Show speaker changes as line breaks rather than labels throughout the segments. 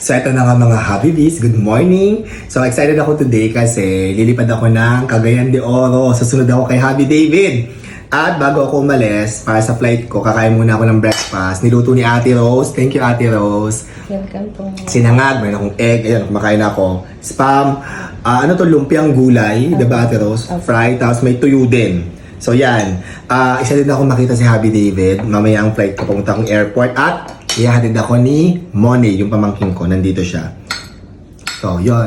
So ito na nga mga Habibis, good morning! So excited ako today kasi lilipad ako ng Cagayan de Oro. Susunod ako kay Habi David. At bago ako umalis para sa flight ko, kakain muna ako ng breakfast. Niluto ni Ate Rose. Thank you Ate Rose.
Welcome po.
Sinangag, mayroon akong egg. Ayan, kumakain ako. Spam. Ano to, lumpiang gulay. Diba Ate Rose? Fried, tapos may tuyo din. So yan. Isa din ako makita si Habi David. Mamaya ang flight ko pumunta akong airport. At ihahatid ako ni Moni, yung pamangkin ko. Nandito siya. So, yon.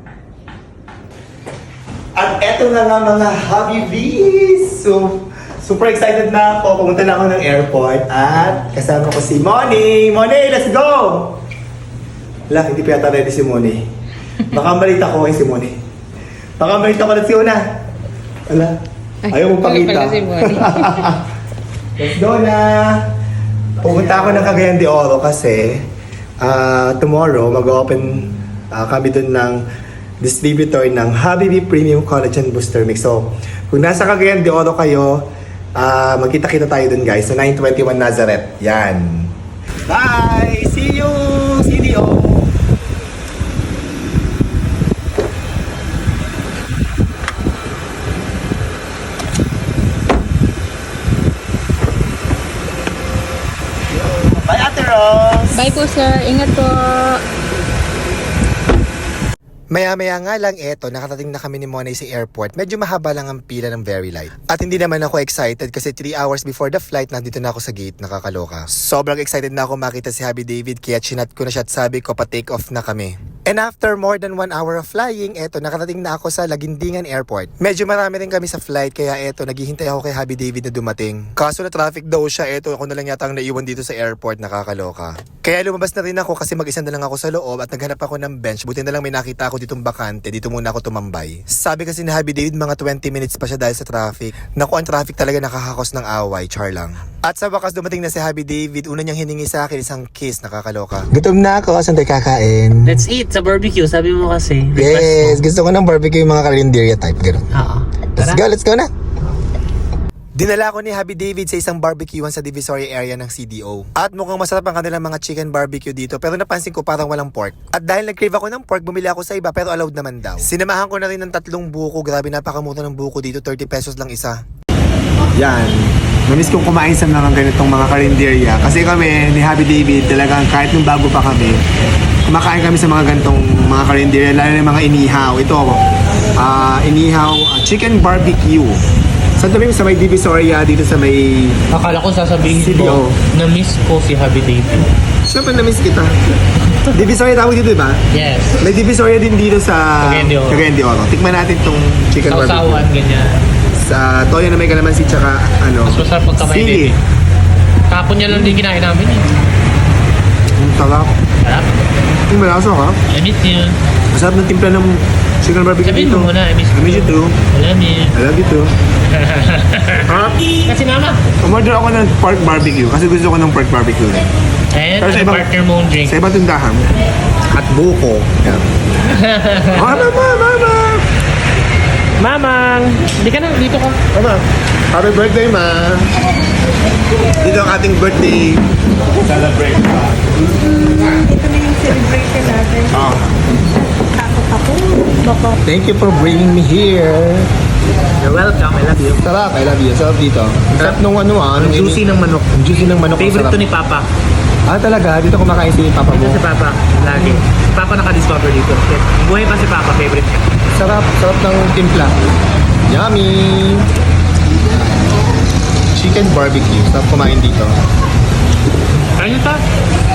At eto na nga mga Habibis. So, super excited na ako. Pumunta na ako ng airport. At kasama ko si Moni. Moni, let's go! Wala, hindi pa yata ready si Moni. Baka malita ko si Moni. Baka malita ko. Let's go na. Wala. Ayaw mo pakita.
Si Moni.
Let's go na! Pumunta ako ng Cagayan de Oro kasi tomorrow mag-open kami dun ng distributor ng Habibi Premium Collagen Booster Mix. So, kung nasa Cagayan de Oro kayo, magkita-kita tayo dun guys. So, 921 Nazareth. Yan. Bye! See you! CDO! Bye, Ate Rose!
Bye po sir. Ingat po.
Maya-maya nga lang eto, nakatating na kami ni Monay sa airport. Medyo mahaba lang ang pila ng very light. At hindi naman ako excited kasi 3 hours before the flight, nandito na ako sa gate, nakakaloka. Sobrang excited na ako makita si Habi David, kaya chinat ko na siya at sabi ko pa-take off na kami. And after more than 1 hour of flying, eto, nakatating na ako sa Lagindingan Airport. Medyo marami rin kami sa flight, kaya eto, naghihintay ako kay Habi David na dumating. Kaso na traffic daw siya, eto, ako na lang yata ang naiwan dito sa airport, nakakaloka. Kaya lumabas na rin ako kasi mag-isa na lang ako sa loob at naghanap ako ng bench. Buti na lang may nakita ako ditong bakante, dito muna ako tumambay. Sabi kasi ni Habi David, mga 20 minutes pa siya dahil sa traffic. Naku, ang traffic talaga nakakakos ng away, char lang. At sa wakas dumating na si Habi David, una niyang hiningi sa akin isang kiss, nakakaloka. Gutom na ako, saan tayo kakain?
Let's eat sa barbecue, sabi mo kasi.
Yes, gusto ko ng barbecue yung mga karinderya type, gano'n.
Oo.
Let's go na! Dinala ko ni Habi David sa isang barbecuean sa Divisoria area ng CDO. At mukhang masarap ang kanilang mga chicken barbecue dito, pero napansin ko parang walang pork. At dahil nag-crave ako ng pork, bumili ako sa iba pero allowed naman daw. Sinamahan ko na rin ng 3 buko, grabe napakamura ng buko dito, 30 pesos lang isa. Yan. Namiss kong kumain sa mga ganitong mga karinderya. Kasi kami ni Habi David talagang kahit nung bago pa kami, kumakain kami sa mga ganitong mga karinderya, lalo na mga inihaw. Ito, inihaw chicken barbecue. Saan tabi sa may Divisoria, dito sa may
Akala ko sasabihin
CDO.
ko, na-miss ko si Habi David.
Siyempre na-miss kita. Divisoria tawag dito, diba?
Yes.
May Divisoria din dito sa
Cagayan de Oro.
Cagayan de Oro. Tikman natin tong chicken barbecue.
Sausawan, ganyan.
Sa toyo na may kalamansi tsaka
Mas masarap pagkamay
sili.
din. Kapon niya lang din kinain namin eh.
Ang sarap.
Sarap.
Yung malasa ka.
I miss you.
Masarap ng timpla ng chicken barbecue
Sabihin
dito.
mo muna, I miss
I miss you too.
you. I love you.
I love you too.
Kasi mama.
Umorder ako ng pork barbecue kasi gusto ko ng pork barbecue rin.
And
Pero sa
ang
ibang-
partner mong drink.
Sa ibang tindahan. At buko. Yan. Mama!
Mamang! Hindi ka na, dito ka.
Mama, happy birthday, ma! Dito ang ating birthday celebration.
Ito na yung celebration natin.
Oh,
Ako. Bako.
thank you for bringing me here.
You're welcome, I love you.
Sarap, I love you. Sarap dito. Ang sarap nung ano
Ang juicy ng manok.
Ang juicy ng manok. ang
Favorite
sarap.
to ni Papa.
Ah, talaga? Dito kumakain si Papa mo?
Ito si Papa, lagi. Papa naka-discover dito. Buhay pa si Papa, favorite niya.
Sarap, sarap ng timpla. Yummy! Chicken barbecue. Sarap kumain dito.
Ano ta?